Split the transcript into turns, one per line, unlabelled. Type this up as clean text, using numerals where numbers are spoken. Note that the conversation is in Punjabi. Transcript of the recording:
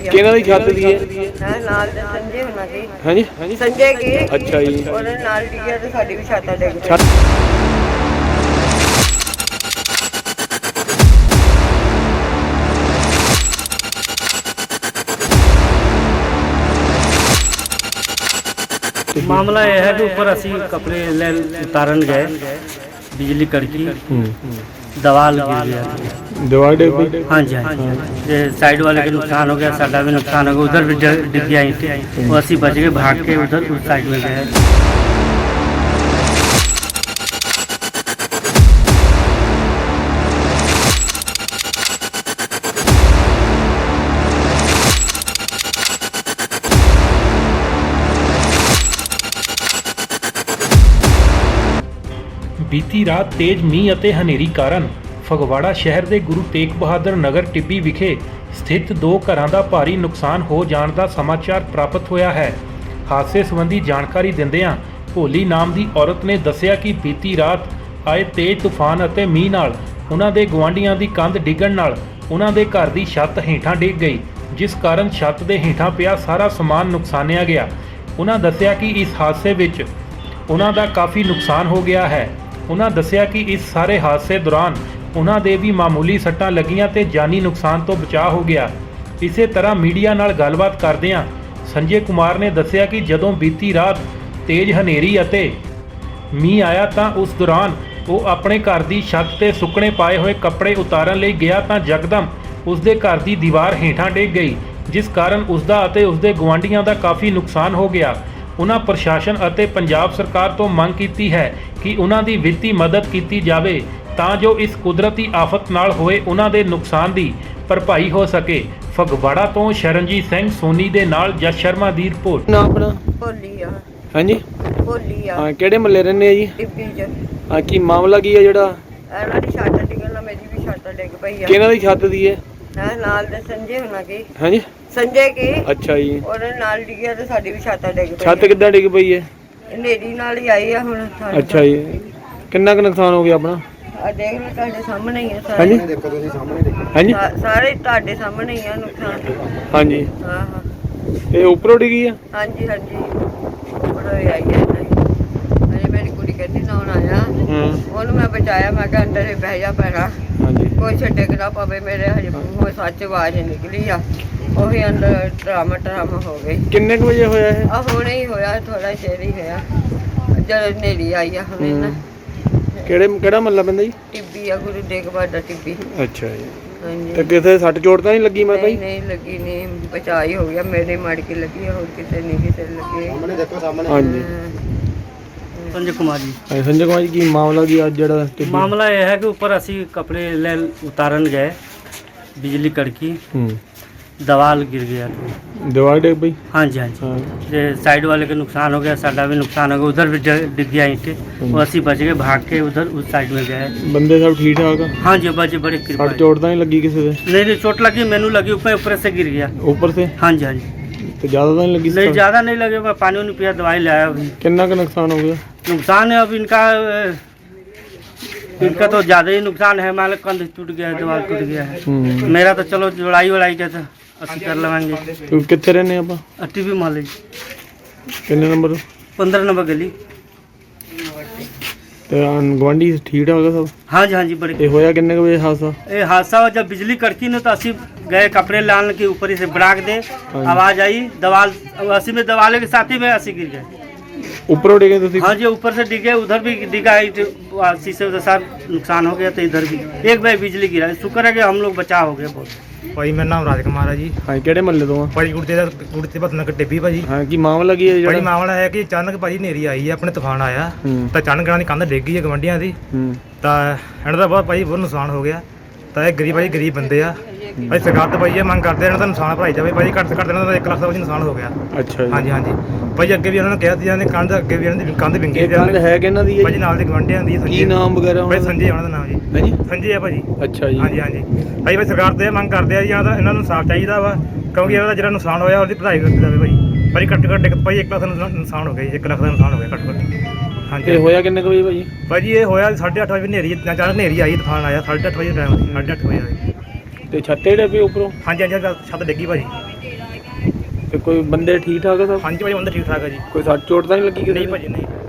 ਆ।
ਕਿਹਨਾਂ ਦੀ ਛੱਤ ਦੀ ਹੈ?
ਹੈ ਨਾਲ ਦੇ ਸੰਜੇ ਹੋਣਾ ਦੀ।
ਹਾਂਜੀ
ਸੰਜੇ ਕੀ?
ਅੱਛਾ ਜੀ।
ਉਹਦੇ ਨਾਲ ਡਿੱਗਿਆ ਤੇ ਸਾਡੀ ਵੀ ਛੱਤ ਡਿੱਗ ਪਈ।
ਛੱਤ
मामला यह है कि ऊपर असी कपड़े उतारन गए, बिजली कड़की, दवाल गिर गया।
दीवार डिग पई?
हाँ जी हाँ जी। ये साइड वाले के नुकसान हो गया, साडा भी नुकसान हो गया, उधर भी डिग गया ईंटें। वो असी बच गए, भाग के उधर उस साइड में गए।
ਬੀਤੀ ਰਾਤ ਤੇਜ਼ ਮੀਂਹ ਅਤੇ ਹਨੇਰੀ ਕਾਰਨ ਫਗਵਾੜਾ ਸ਼ਹਿਰ ਦੇ ਗੁਰੂ ਤੇਗ ਬਹਾਦਰ ਨਗਰ ਟਿੱਬੀ ਵਿਖੇ ਸਥਿਤ 2 ਘਰਾਂ ਦਾ ਭਾਰੀ ਨੁਕਸਾਨ ਹੋ ਜਾਣ ਦਾ ਸਮਾਚਾਰ ਪ੍ਰਾਪਤ ਹੋਇਆ ਹੈ। ਹਾਦਸੇ ਸੰਬੰਧੀ ਜਾਣਕਾਰੀ ਦਿੰਦਿਆਂ ਭੋਲੀ ਨਾਮ ਦੀ ਔਰਤ ਨੇ ਦੱਸਿਆ ਕਿ ਬੀਤੀ ਰਾਤ ਆਏ ਤੇਜ਼ ਤੂਫਾਨ ਅਤੇ ਮੀਂਹ ਨਾਲ ਉਹਨਾਂ ਦੇ ਗੁਆਂਢੀਆਂ ਦੀ ਕੰਧ ਡਿੱਗਣ ਨਾਲ ਉਹਨਾਂ ਦੇ ਘਰ ਦੀ ਛੱਤ ਹੇਠਾਂ ਡਿੱਗ ਗਈ, ਜਿਸ ਕਾਰਨ ਛੱਤ ਦੇ ਹੇਠਾਂ ਪਿਆ ਸਾਰਾ ਸਮਾਨ ਨੁਕਸਾਨਿਆ ਗਿਆ। ਉਹਨਾਂ ਦੱਸਿਆ ਕਿ ਇਸ ਹਾਦਸੇ ਵਿੱਚ ਉਹਨਾਂ ਦਾ ਕਾਫੀ ਨੁਕਸਾਨ ਹੋ ਗਿਆ ਹੈ। ਉਹਨਾਂ ਦੱਸਿਆ ਕਿ ਇਸ ਸਾਰੇ ਹਾਦਸੇ ਦੌਰਾਨ ਉਹਨਾਂ ਦੇ ਵੀ ਮਾਮੂਲੀ ਸੱਟਾਂ ਲੱਗੀਆਂ ਤੇ ਜਾਨੀ ਨੁਕਸਾਨ ਤੋਂ ਬਚਾਅ ਹੋ ਗਿਆ। ਇਸੇ ਤਰ੍ਹਾਂ ਮੀਡੀਆ ਨਾਲ ਗੱਲਬਾਤ ਕਰਦਿਆਂ ਸੰਜੇ ਕੁਮਾਰ ਨੇ ਦੱਸਿਆ ਕਿ ਜਦੋਂ ਬੀਤੀ ਰਾਤ ਤੇਜ਼ ਹਨੇਰੀ ਅਤੇ ਮੀਂਹ ਆਇਆ ਤਾਂ ਉਸ ਦੌਰਾਨ ਉਹ ਆਪਣੇ ਘਰ ਦੀ ਛੱਤ ਤੇ ਸੁੱਕਣੇ ਪਾਏ ਹੋਏ ਕੱਪੜੇ ਉਤਾਰਨ ਲਈ ਗਿਆ ਤਾਂ ਯਕਦਮ ਉਸ ਦੇ ਘਰ ਦੀ ਦੀਵਾਰ ਹੇਠਾਂ ਡਿੱਗ ਗਈ, ਜਿਸ ਕਾਰਨ ਉਸ ਦਾ ਅਤੇ ਉਸ ਦੇ ਗੁਆਂਢੀਆਂ ਦਾ ਕਾਫੀ ਨੁਕਸਾਨ ਹੋ ਗਿਆ। ਉਹਨਾਂ ਪ੍ਰਸ਼ਾਸਨ ਅਤੇ ਪੰਜਾਬ ਸਰਕਾਰ ਤੋਂ ਮੰਗ ਕੀਤੀ ਹੈ ਕਿ ਉਹਨਾਂ ਦੀ ਵਿੱਤੀ ਮਦਦ ਕੀਤੀ ਜਾਵੇ ਤਾਂ ਜੋ ਇਸ ਕੁਦਰਤੀ ਆਫਤ ਨਾਲ ਹੋਏ ਉਹਨਾਂ ਦੇ ਨੁਕਸਾਨ ਦੀ ਭਰਪਾਈ ਹੋ ਸਕੇ। ਫਗਵਾੜਾ ਤੋਂ ਸ਼ਰਨਜੀਤ ਸਿੰਘ ਸੋਨੀ ਦੇ ਨਾਲ ਜਸ ਸ਼ਰਮਾ ਦੀ ਰਿਪੋਰਟ।
ਨਾ ਆਪਣਾ
ਭੋਲੀ ਆ।
ਹਾਂਜੀ
ਭੋਲੀ ਆ।
ਹਾਂ, ਕਿਹੜੇ ਮਹੱਲੇ ਰਹਿੰਦੇ ਆ ਜੀ?
ਟਿੱਬੀ ਚ।
ਹਾਂ, ਕੀ ਮਾਮਲਾ ਕੀ ਹੈ ਜਿਹੜਾ?
ਇਹਨਾਂ ਦੀ ਛੱਤ ਡਿੱਗਣ ਨਾਲ ਮੇਰੀ ਵੀ ਛੱਤ ਡਿੱਗ ਪਈ ਆ।
ਕਿਹਨਾਂ ਦੀ ਛੱਤ ਦੀ ਹੈ?
ਹੈ ਨਾਲ ਦੇ ਸੰਜੇ ਹੋਣਾ ਕੀ।
ਹਾਂਜੀ
ਸੰਜੇ ਕੀ?
ਅੱਛਾ ਜੀ।
ਉਹਦੇ ਨਾਲ ਡਿੱਗਿਆ ਤੇ ਸਾਡੀ ਵੀ ਛੱਤ ਡਿੱਗ ਪਈ।
ਛੱਤ ਕਿੱਦਾਂ ਡਿੱਗ ਪਈ ਹੈ?
ਹਨੇਰੀ ਨਾਲ ਹੀ ਆਈ ਆ ਹੁਣ ਸਾਨੂੰ।
ਅੱਛਾ ਜੀ। ਕਿੰਨਾ ਕੁ ਨੁਕਸਾਨ ਹੋ ਗਿਆ ਆਪਣਾ?
ਆ ਦੇਖ ਲਓ ਤੁਹਾਡੇ ਸਾਹਮਣੇ ਹੀ ਆ ਸਾਰੇ।
ਹਾਂਜੀ ਹਾਂਜੀ
ਸਾਰੇ ਤੁਹਾਡੇ ਸਾਹਮਣੇ ਹੀ ਆ ਨੁਕਸਾਨ।
ਹਾਂਜੀ।
ਹਾਂ ਹਾਂ
ਇਹ ਉੱਪਰੋਂ ਡਿੱਗੀ ਆ?
ਹਾਂਜੀ ਹਾਂਜੀ ਬੜਾ ਆਈ ਹੈ ਅਜੇ ਮੇਰੀ ਕੁੜੀ ਕਹਿੰਦੀ ਨਾ ਆਇਆ। ਉਹਨੂੰ ਮੈਂ ਬਚਾਇਆ, ਮੈਂ ਕਿਹਾ ਅੰਦਰ ਹੀ ਬਹਿ ਜਾ ਪੈਣਾ,
ਹਾਂਜੀ
ਕੋਈ ਛੱਡੇ ਨਾ ਪਵੇ ਮੇਰੇ। ਹਜੇ ਮੂੰਹੋਂ ਸੱਚ ਆਵਾਜ਼ ਨਿਕਲੀ ਆ, ਉਹੀ ਅੰਦਰ ਡਰਾਮਾ ਹੋ ਗਈ।
ਕਿੰਨੇ ਕੁ ਵਜੇ ਹੋਇਆ ਇਹ?
ਆ ਹੁਣੇ ਹੀ ਹੋਇਆ, ਥੋੜਾ ਚਿਰ ਹੀ ਹੋਇਆ ਜਦੋਂ ਹਨੇਰੀ ਆਈ ਆ ਹੁਣੇ ਨਾ।
ਕਿਹੜਾ ਮਹੱਲਾ ਪੈਂਦਾ ਜੀ?
ਟਿੱਬੀ ਆ, ਗੁਰੂ ਤੇਗ ਬਹਾਦਰ ਟਿੱਬੀ।
ਅੱਛਾ ਜੀ।
ਹਾਂਜੀ
ਤੇ ਕਿਸੇ ਸੱਟ ਚੋਟ ਤਾਂ ਨਹੀਂ ਲੱਗੀ ਮਾਤਾ ਜੀ?
ਨਹੀਂ ਲੱਗੀ, ਨਹੀਂ ਬਚਾਅ ਹੀ ਹੋ ਗਿਆ। ਮੇਰੇ ਮੜ ਕੇ ਲੱਗੀ ਆ, ਹੋਰ ਕਿਸੇ ਨਹੀਂ ਕਿਸੇ ਲੱਗੀ।
ਹਾਂਜੀ।
संजय कुमार जी।
ਸੰਜੇ ਕੁਮਾਰ ਜੀ, ਕੀ ਮਾਮਲਾ ਕੀ ਅੱਜ ਜਿਹੜਾ ਟਿੱਬੀ?
मामला यह है कि ऊपर असी कपड़े उतारन गए, बिजली कड़की, दवाल गिर गया।
ਦੀਵਾਰ ਡਿੱਗ ਪਈ?
हाँ जी हाँ जी। ये साइड वाले के नुकसान हो गया, साडा भी नुकसान हो गया, उधर भी डिग गया ईंटें। वो असी बच गए, भाग के उधर उस साइड में गए।
ਬੰਦੇ ਸਭ ਠੀਕ ਠਾਕ ਆ?
हाँ जी बचे, बड़े कृपा
ਸੱਟ
है।
ਚੋਟ ਤਾਂ ਨਹੀਂ ਲੱਗੀ ਕਿਸੇ ਦੇ?
नहीं चोट लगी, मैनू लगी, ऊपर से गिर गया।
ਉੱਪਰ से?
हाँ जी हाँ जी।
ਤੇ ਜ਼ਿਆਦਾ ਤਾਂ ਨਹੀਂ ਲੱਗੀ?
नहीं ज़्यादा नहीं लगे, मैं पानी वानी पिया, दवाई लाया। अभी
ਕਿੰਨਾ ਕੁ ਨੁਕਸਾਨ ਹੋ ਗਿਆ?
नुकसान है अब इनका तो ज़्यादा ही नुकसान है। हमारा कंध टूट गया है, दीवार टूट गया है। मेरा तो चलो जोड़ाई वड़ाई के तो ਅਸੀਂ कर लवेंगे।
ਤੂੰ ਕਿੱਥੇ ਰਹਿੰਦੇ ਆਪਾਂ?
टीवी मोहल्ले
ਕਿੰਨੇ ਨੰਬਰ?
15 नंबर गली।
ਤੇ ਗਵਾਂਢੀ ਠੀਕ ਠਾਕ ਆ ਸਭ?
हाँ जी हाँ जी बड़े।
ਇਹ ਹੋਇਆ ਕਿੰਨੇ ਕੁ ਵਜੇ ਹਾਦਸਾ?
ये हादसा हुआ जब बिजली कड़की ने, तो असी गए कपड़े लाने के ऊपर ही से बराक दे, आवाज़ आई, दवाल असी में दवाले के साथ ही में असी गिर गए।
ਉੱਪਰੋਂ ਡਿੱਗੇ ਤੁਸੀਂ?
हाँ जी ऊपर से डिगे, उधर भी डिगा, शीशे के साथ नुकसान हो गया। तो इधर भी एक बार बिजली गिरा, शुक्र है कि हम लोग बचाव हो गए बहुत।
ਭਾਈ ਮੇਰਾ ਨਾਮ ਰਾਜ ਕੁਮਾਰ ਹੈ ਜੀ।
ਹਾਂ, ਕਿਹੜੇ ਮਹੱਲੇ ਤੋਂ ਆ?
ਭਾਈ ਗੁਰਤੇ ਭਤਨਗਰ ਟਿੱਬੀ ਭਾਜੀ।
ਹਾਂ, ਕੀ ਮਾਮਲਾ ਕੀ ਹੈ
ਭਾਈ
ਜਿਹੜਾ?
ਮਾਮਲਾ ਹੈ ਕਿ ਅਚਾਨਕ ਭਾਜੀ ਹਨੇਰੀ ਆਈ ਹੈ, ਆਪਣੇ ਤੂਫਾਨ ਆਇਆ ਤਾਂ ਅਚਾਨਕ ਇਹਨਾਂ ਦੀ ਕੰਧ ਡਿੱਗ ਗਈ ਹੈ ਗਵੰਡੀਆਂ ਦੀ। ਤਾਂ ਇਹਨਾਂ ਦਾ ਬਹੁਤ ਭਾਈ ਬਹੁਤ ਨੁਕਸਾਨ ਹੋ ਗਿਆ। ਤਾਂ ਇਹ ਗਰੀਬ ਬੰਦੇ ਆ। ਭਾਈ ਸਰਕਾਰ ਤੋਂ ਭਾਈ ਇਹ ਮੰਗ ਕਰਦੇ ਇਹਨਾਂ ਦਾ ਨੁਕਸਾਨ ਭਰਾਈ ਜਾਵੇ। ਭਾਈ ਘੱਟ ਤੋਂ ਘੱਟ ਇਹਨਾਂ ਦਾ 1 ਲੱਖ ਦਾ ਭਾਜੀ ਨੁਕਸਾਨ ਹੋ ਗਿਆ।
ਅੱਛਾ ਜੀ।
ਹਾਂਜੀ ਹਾਂਜੀ ਭਾਈ ਅੱਗੇ ਵੀ ਉਹਨਾਂ ਨੇ ਕਿਹਾ ਸੀ ਇਹਨਾਂ ਦੀ ਕੰਧ, ਅੱਗੇ ਵੀ ਇਹਨਾਂ ਦੀ ਕੰਧ ਵਿੰਗੀ
ਇਹ ਕੰਧ ਹੈ ਕਿਹਨਾਂ ਦੀ ਹੈ
ਭਾਜੀ?
ਜੀ?
ਨਾਲ ਦੇ ਗਵੰਡੀਆਂ ਦੀ।
ਕੀ ਨਾਮ ਵਗੈਰਾ
ਭਾਈ
ਉਹਨਾਂ ਦਾ?
ਸੰਜੇ ਉਹਨਾਂ ਦਾ ਨਾਮ ਜੀ।
ਹਾਂਜੀ
ਸੰਜੇ ਆ ਭਾਜੀ।
ਅੱਛਾ ਜੀ।
ਹਾਂਜੀ ਹਾਂਜੀ ਭਾਈ ਸਰਕਾਰ ਤੋਂ ਇਹ ਮੰਗ ਕਰਦੇ ਆ ਜੀ, ਇਹਨਾਂ ਨੂੰ ਇਨਸਾਫ ਚਾਹੀਦਾ ਵਾ, ਕਿਉਂਕਿ ਇਹਨਾਂ ਦਾ ਜਿਹੜਾ ਨੁਕਸਾਨ ਹੋਇਆ ਉਹਦੀ ਭਰਾਈ ਕੀਤੀ ਜਾਵੇ ਭਾਈ। ਭਾਈ ਘੱਟ ਭਾਈ 1 ਲੱਖ ਦਾ ਨੁਕਸਾਨ ਹੋ ਗਿਆ ਜੀ। 1 ਲੱਖ ਦਾ ਨੁਕਸਾਨ ਹੋ ਗਿਆ ਘੱਟ। ਹਾਂਜੀ
ਇਹ ਹੋਇਆ ਕਿੰਨੇ ਕੁ ਵਜੇ ਭਾਜੀ?
ਭਾਜੀ ਇਹ ਹੋਇਆ 8:30 ਵਜੇ ਹਨੇਰੀ, ਅਚਾਨਕ ਹਨੇਰੀ ਆਈ, ਤੂਫਾਨ ਆਇਆ। 8:30 ਵਜੇ ਟਾਈਮ ਸੀ, 8:30 ਵਜੇ ਆਇਆ।
ਤੇ ਛੱਤੇ ਡੇ ਪਏ ਉੱਪਰੋਂ?
ਹਾਂਜੀ ਹਾਂਜੀ ਛੱਤ ਡਿੱਗੀ ਭਾਜੀ।
ਤੇ ਕੋਈ ਬੰਦੇ ਠੀਕ ਠਾਕ ਆ ਸਭ?
ਹਾਂਜੀ ਭਾਜੀ ਬੰਦਾ ਠੀਕ ਠਾਕ ਹੈ ਜੀ।
ਕੋਈ ਸੱਟ ਚੋਟ ਤਾਂ ਨਹੀਂ ਲੱਗੀ ਕਿਸੇ
ਨਹੀਂ
ਦੇ?
ਭਾਜੀ ਨਹੀਂ।